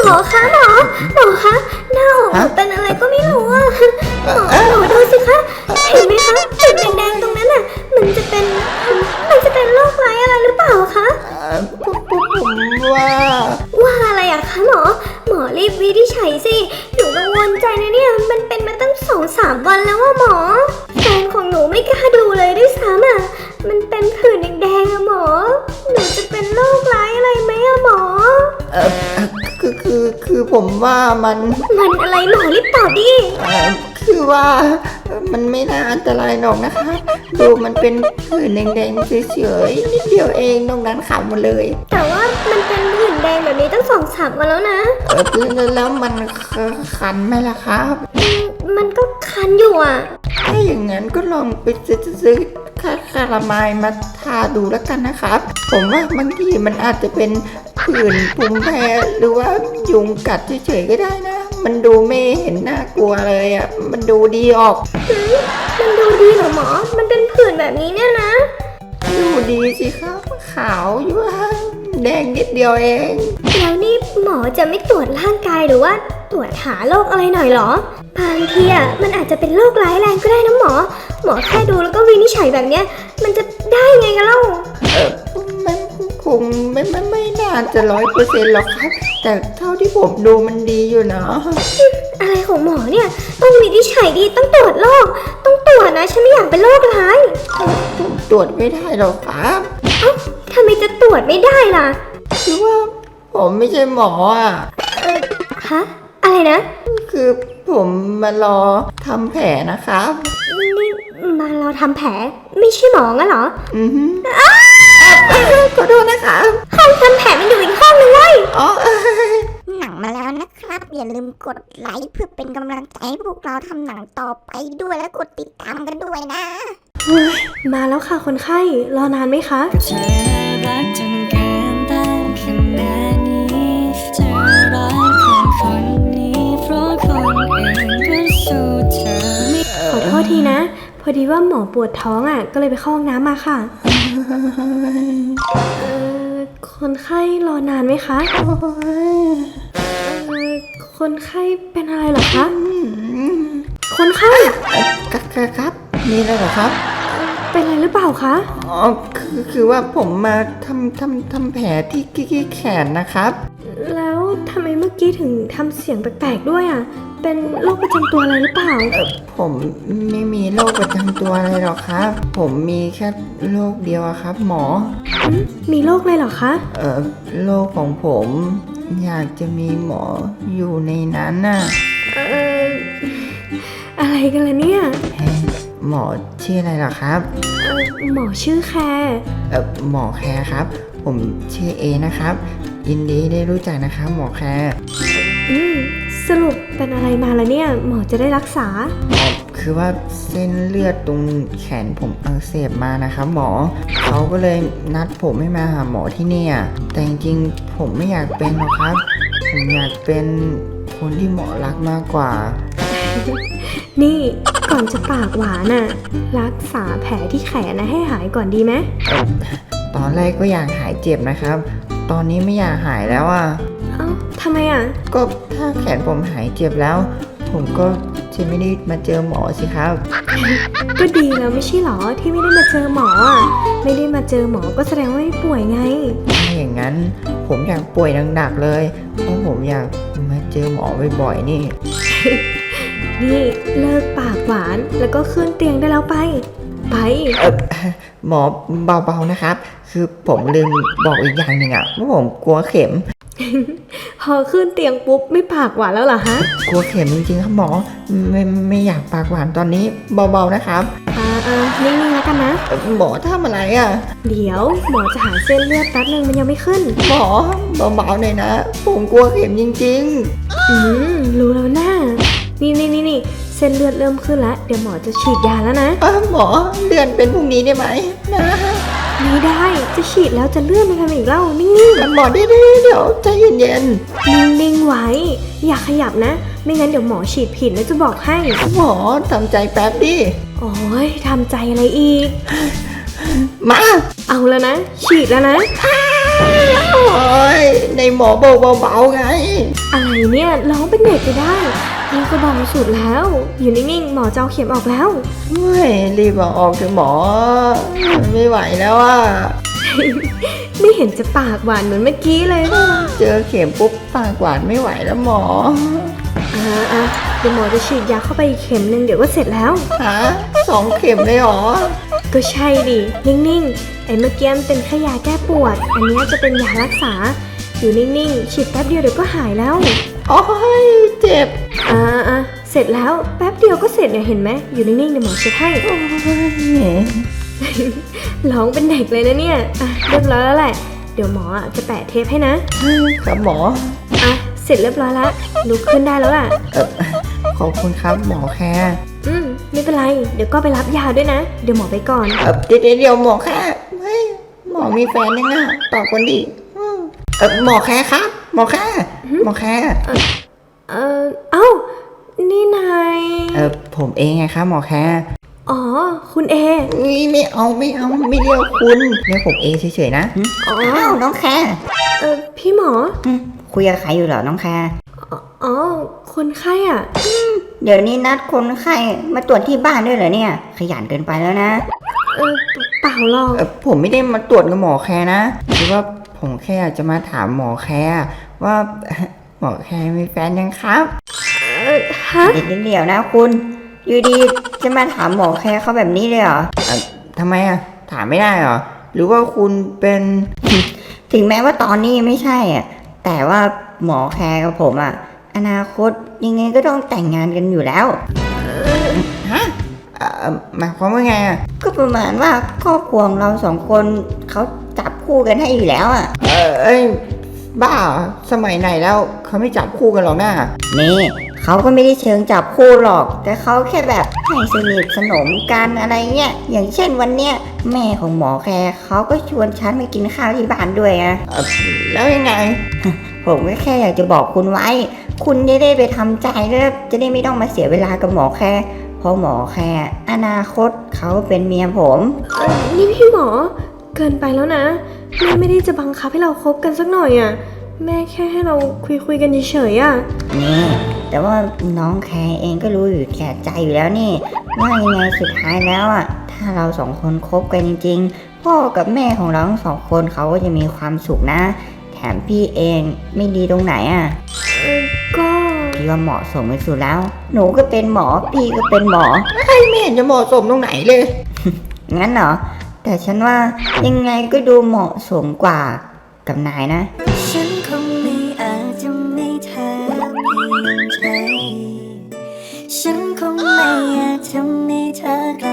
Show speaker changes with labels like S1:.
S1: อคะหมอคะหน้าอกหนูเป็นอะไรก็ไม่รู้อ่ะหมอดูสิคะเห็นไหมคะจุดแดงๆตรงนั้นอ่ะมันจะเป็นโรคร้ายอะไรหรือเปล่าคะ
S2: ผมว่า
S1: อะไรอะคะหมอรีบวินิจฉัยสิหนูกังวลใจนะเนี่ยมันเป็นมาตั้ง2-3 วันแล้วว่าหมอแฟนของหนูไม่กล้าดูเลยด้วยซ้ำอะมันเป็นผื่นแดงๆอะหมอหนูจะเป็นโรคร้ายอะไรไหมอะหมอ
S2: คือผมว่ามัน
S1: อะไรหมอรีบตอบดิ
S2: คือว่ามันไม่น่าอันตรายหรอกนะคะดูมันเป็นผื่นแดงๆเฉยๆนิดเดียวเองนอกนั้นขาวหมดเลย
S1: แต่ว่ามันเป็นผื่นแดงแบบนี้ตั้ง2-3 วันแล้วนะ
S2: แล้วมันคันไหมล่ะครับ
S1: มันก็คันอยู่อ่ะ
S2: ถ้าอย่างนั้นก็ลองไปซื้อคาราไมล์มาทาดูแล้วกันนะครับผมว่าบางทีมันอาจจะเป็นผื่นภูมิแพ้หรือว่ายุงกัดเฉยๆก็ได้นะมันดูไม่เห็นน่ากลัวเลยอ่ะมันดูดีออก
S1: มันดูดีเหรอหมอมันเป็นผื่นแบบนี้เนี่ยนะ
S2: ดูดีสิครับขาวอยู่แดงนิดเดียวเอง
S1: แล้วนี่หมอจะไม่ตรวจร่างกายหรือว่าตรวจหาโรคอะไรหน่อยเหรอบางทีอ่ะมันอาจจะเป็นโรคร้ายแรงก็ได้นะหมอแค่ดูแล้วก็วินิจฉัยแบบเนี้ยมันจะได้ไงกันเล่า
S2: มันคงไม่น่าจะ100%หรอกครับแต่เท่าที่ผมดูมันดีอยู่นะ
S1: อะไรของหมอเนี่ยต้องวินิจฉัยดีต้องตรวจโรคต้องตรวจนะฉันไม่อยากเป็นโรคร้าย
S2: ผมตรวจไม่ได้หรอกครับ
S1: ทำไมจะตรวจไม่ได้ล่ะ
S2: คือว่าผมไม่ใช่หมออ่ะ
S1: ฮะอะไรนะ
S2: คือผมมารอทำแผลนะครับ
S1: นี่มารอทำแผลไม่ใช่หมองั้นเหรอ
S2: ขอโทษนะคะ
S1: ห้องทำแผลมันอยู่อีกห้องนึงเว้ย
S3: หนังมาแล้วนะครับอย่าลืมกดไลค์เพื่อเป็นกำลังใจให้พวกเราทำหนังต่อไปด้วยและกดติดตามกันด้วยนะ
S1: มาแล้วค่ะคนไข้รอนานไหมคะ
S4: เธอรักจนเกินต้านขนาดนี้เธอรักคนนี้เพราะคนอื่นก็สู้เธอไม่
S1: ขอโทษทีนะพอดีว่าหมอปวดท้องอ่ะก็เลยไปเข้าห้องน้ำมาค่ะคนไข้รอนานไหมคะคนไข้เป็นอะไรเหรอคะคนไข้
S2: ครับมีอะไรเหรอครับ
S1: เป็นอะไรหรือเปล่าคะ
S2: คือว่าผมมาทำแผลที่แขนนะครับ
S1: แล้วทำไมเมื่อกี้ถึงทำเสียงแปลกๆด้วยอ่ะเป็นโรคประจำตัวอะไรหรือเปล่า
S2: ผมไม่มีโรคประจำตัวอะไรหรอกครับผมมีแค่โรคเดียวครับหมอ
S1: มีโรคอะไรหรอคะ
S2: โรคของผมอยากจะมีหมออยู่ในนั้นน่ะ
S1: อะไรกันล่ะเนี่ย
S2: หมอชื่ออะไรหรอครับ
S1: หมอชื่อแคร์
S2: หมอแคร์ครับผมชื่อเอนะครับยินดีได้รู้จักนะครับหมอแคร์
S1: สรุปเป็นอะไรมาแล้วเนี่ยหมอจะได้รักษา
S2: คือว่าเส้นเลือดตรงแขนผมอักเสบมานะครับหมอเขาก็เลยนัดผมให้มาหาหมอที่นี่แต่จริงๆผมไม่อยากเป็นหรอกครับผมอยากเป็นคนที่หมอรักมากกว่า
S1: นี่ก่อนจะปากหวานน่ะรักษาแผลที่แขนนะให้หายก่อนดีไหม
S2: ตอนแรกก็อยากหายเจ็บนะครับตอนนี้ไม่อยากหายแล้ว
S1: ทำไม
S2: ก็ถ้าแขนผมหายเจ็บแล้วผมก็จะไม่ได้มาเจอหมอสิครับ
S1: ก็ดีแล้วไม่ใช่หรอที่ไม่ได้มาเจอหมอไม่ได้มาเจอหมอก็แสดงว่าไม่ป่วยไง
S2: ถ้าอย่างนั้นผมอยากป่วยหนักๆเลยเพราะผมอยากมาเจอหมอบ่อยๆนี่
S1: นี่เลิกปากหวานแล้วก็ขึ้นเตียงได้แล้วไป
S2: หมอเบาๆนะครับคือผมลืมบอกอีกอย่างหนึ่งว่าผมกลัวเข็ม
S1: พอขึ้นเตียงปุ๊บไม่ปากหวานแล้วเหรอฮะ
S2: กลัวเข็มจริงๆครับหมอไม่อยากปากหวานตอนนี้เบาๆนะครับ
S1: นิ่งๆแล้วกันนะ
S2: หมอทำอะไร
S1: เดี๋ยวหมอจะหาเส้นเลือดแป๊บนึงมันยังไม่ขึ้น
S2: หมอเบาๆหน่อยนะผมกลัวเข็มจริง
S1: ๆรู้แล้วนะนี่เส้นเลือดเริ่มขึ้นแล้วเดี๋ยวหมอจะฉีดยาแล้วนะ
S2: หมอเลื่อนเป็นพรุ่งนี้ได้ไหมนะ
S1: ไม่ได้จะฉีดแล้วจะเลื่อนไปทำอีกเล่านิ่ง
S2: ๆหมอได้เดี๋ยวใจเย็น
S1: ๆนิ่งๆไว้อย่าขยับนะไม่งั้นเดี๋ยวหมอฉีดผิดแล้วจะบอกให้
S2: หมอทำใจแป๊บดิ
S1: โอ้ยทำใจอะไรอีก
S2: มา
S1: เอาแล้วนะฉีดแล้วนะ
S2: โอ้ยในหมอบอกเบาๆไง
S1: อะไรเนี่ยร้องเป็นเด็กไปได้นี่ก็เบาสุดแล้ว อยู่นิ่งๆหมอจะเอาเข็มออกแล้ว
S2: เฮ้ยรีบเอาออกเถอะหมอไม่ไหวแล้วอ่ะ
S1: ไม่เห็นจะปากหวานเหมือนเมื่อกี้เลย
S2: เจอเข็มปุ๊บปากหวานไม่ไหวแล้วหมอ
S1: อ่ะเดี๋ยวหมอจะฉีดยาเข้าไปอีกเข็มหนึ่งเดี๋ยวก็เสร็จแล้ว
S2: ฮะ2 เข็มเลยเหรอ
S1: ก็ใช่ดิ นิ่งๆ ไอ้เมื่อกี้มันเป็นแค่ยาแก้ปวด อันนี้จะเป็นยารักษา อยู่นิ่งๆ ฉีดแป๊บเดียวเดี๋ยวก็หายแล้ว
S2: โอ้ยเจ็บ
S1: อ่ะเสร็จแล้วแป๊บเดียวก็เสร็จเนี่ยเห็นไหมอยู่นิ่งๆเดี๋ยวหมอเช็ดให้
S2: โอ้ย
S1: ร้องเป็นเด็กเลยนะเนี่ยอ่ะเรียบร้อยแล้วแหละ เดี๋ยวหมอจะแปะเทปให้นะครับ
S2: หมอ
S1: อ่ะเสร็จเรียบร้อยแล้วลุกขึ้นได้แล้วล่ะ
S2: ขอบคุณครับหมอแค่
S1: ไม่เป็นไร เดี๋ยวก็ไปรับยาด้วยนะ เดี๋ยวหมอไปก่อน
S2: เดี๋ยวหมอแค่เฮ้ยหมอมีแฟนยังอ่ะตอบคนดิหมอแค่ครับ หมอแค่หมอแค่
S1: เอ้า นี่นาย
S2: ผมเองไงครับหมอแค่
S1: อ๋อ คุณเอ
S2: ไม่เอาไม่เรียกคุณเรียกผมเองเฉยๆนะ
S1: อ๋อ
S3: อ้าวน้องแคร์
S1: พี่หมอ
S3: คุยกับใครอยู่เหรอน้องแคร์
S1: อ๋อ คนไข้อ่ะ
S3: เดี๋ยวนี้นัดคนไข้มาตรวจที่บ้านด้วยเหรอเนี่ย ขยันเกินไปแล้วนะ
S1: เปล่าหรอก
S2: ผมไม่ได้มาตรวจกับหมอแคร์นะคือว่าผมแค่อยากจะมาถามหมอแคร์ว่าหมอแคร์มีแฟนยังครับ
S1: ฮะ
S3: เดี๋ยวนะคุณ อยู่ดีจะมาถามหมอแคร์เขาแบบนี้เลยเหรอ
S2: ทำไมอ่ะถามไม่ได้เหรอหรือว่าคุณเป็น
S3: ถึงแม้ว่าตอนนี้ไม่ใช่อ่ะ แต่ว่าหมอแคร์กับผมอ่ะ อนาคตยังไงก็ต้องแต่งงานกันอยู่แล้ว
S2: ฮะหมายความว่าไงอ่ะ
S3: ก็ประมาณว่าครอบครัวของเรา2 คนเขาจับคู่กันให้อยู่แล้วอ่ะ
S2: เอ้ยบ้าเหรอสมัยไหนแล้วเขาไม่จับคู่กันหรอกนะ
S3: นี่เขาก็ไม่ได้เชิงจับคู่หรอก แต่เขาแค่แบบให้สนิทสนมกันอะไรเงี้ย อย่างเช่นวันเนี้ยแม่ของหมอแคร์เขาก็ชวนฉันไปกินข้าวที่บ้านด้วยนะ
S2: แล้วยังไง
S3: ผมก็แค่อยากจะบอกคุณไว้ คุณจะได้ไปทำใจแล้วจะได้ไม่ต้องมาเสียเวลากับหมอแคร์เพราะหมอแคร์อนาคตเขาเป็นเมียผม
S1: นี่พี่หมอ เกินไปแล้วนะ แม่ไม่ได้จะบังคับให้เราคบกันสักหน่อยอ่ะ แม่แค่ให้เราคุยกันเฉยๆอ่ะ
S3: นี่แต่ว่าน้องแคร์เองก็รู้อยู่แก่ใจอยู่แล้วนี่ว่ายังไงสุดท้ายแล้วอ่ะถ้าเรา2 คนคบกันจริงๆ พ่อกับแม่ของเราทั้ง2 คนเขาก็จะมีความสุขนะ แถมพี่เองไม่ดีตรงไหนอ่ะ
S1: ก็
S3: พี่ว่าเหมาะสมที่สุดแล้ว หนูก็เป็นหมอพี่ก็เป็นหมอ
S2: ไม่เห็นจะเหมาะสมตรงไหนเลย
S3: งั้นเหรอแต่ฉันว่ายังไงก็ดูเหมาะสมกว่ากับนายนะ
S4: ฉันคงไม่อาจจะไม่เธอเพียงใจฉันคงไม่อยากทำให้เธอกล